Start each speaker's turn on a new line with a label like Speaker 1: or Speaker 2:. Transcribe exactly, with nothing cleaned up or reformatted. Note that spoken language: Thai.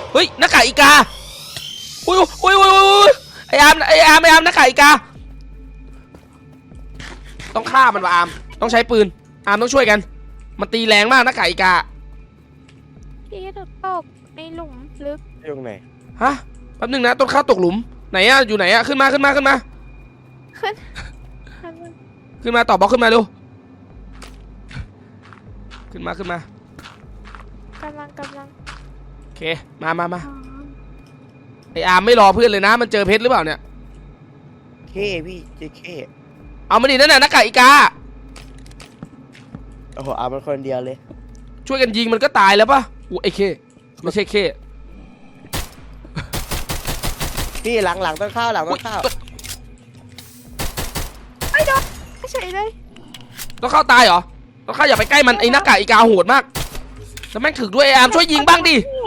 Speaker 1: เฮ้ยหน้ากากอีกาอุ้ยอุ้ยอุ้ยอุ้ยไออาร์มไออาร์มไออาร์มหน้ากากอีกาต้องฆ่ามันว่ะอาร์มต้องใช้ปืนอาร์มต้องช่วยกันมันตีแรงมากหน้ากากอีกา
Speaker 2: พี่ถูกตกในหลุมลึก
Speaker 3: ตรงไหน
Speaker 1: ฮะแป๊บนึงนะต้นข้าวตกหลุมไหนอะอยู่ไหนอะขึ้นมาขึ้นมาขึ้นมา
Speaker 2: ขึ้น
Speaker 1: ขึ้นมาต่อบล็อกขึ้นมาดูขึ้นมาขึ้นมาก
Speaker 2: ำลังกำลัง
Speaker 1: โอเคมามามาไออาร์มไม่รอเพื่อนเลยนะมันเจอเพชรหรือเปล่าเนี่ย
Speaker 3: เคพี่เจเค
Speaker 1: เอามาดินั่นน่ะหน้ากากอีกา
Speaker 3: โอ้โหอามันคนเดียวเลย
Speaker 1: ช่วยกันยิงมันก็ตายแล้วปะอู้ไอเคไม่ใช่เค
Speaker 3: พี่หลังหลังต้องเข้าหลังต้องเข้า
Speaker 2: ไม่โดนเฉยเลย
Speaker 1: ต้องเข้าตายเหรอต้องเข้าอย่าไปใกล้มันไอหน้ากากอีกาโหดมากแล้วแม่งถึกด้วยไออาร์มช่วยยิงบ้างดิ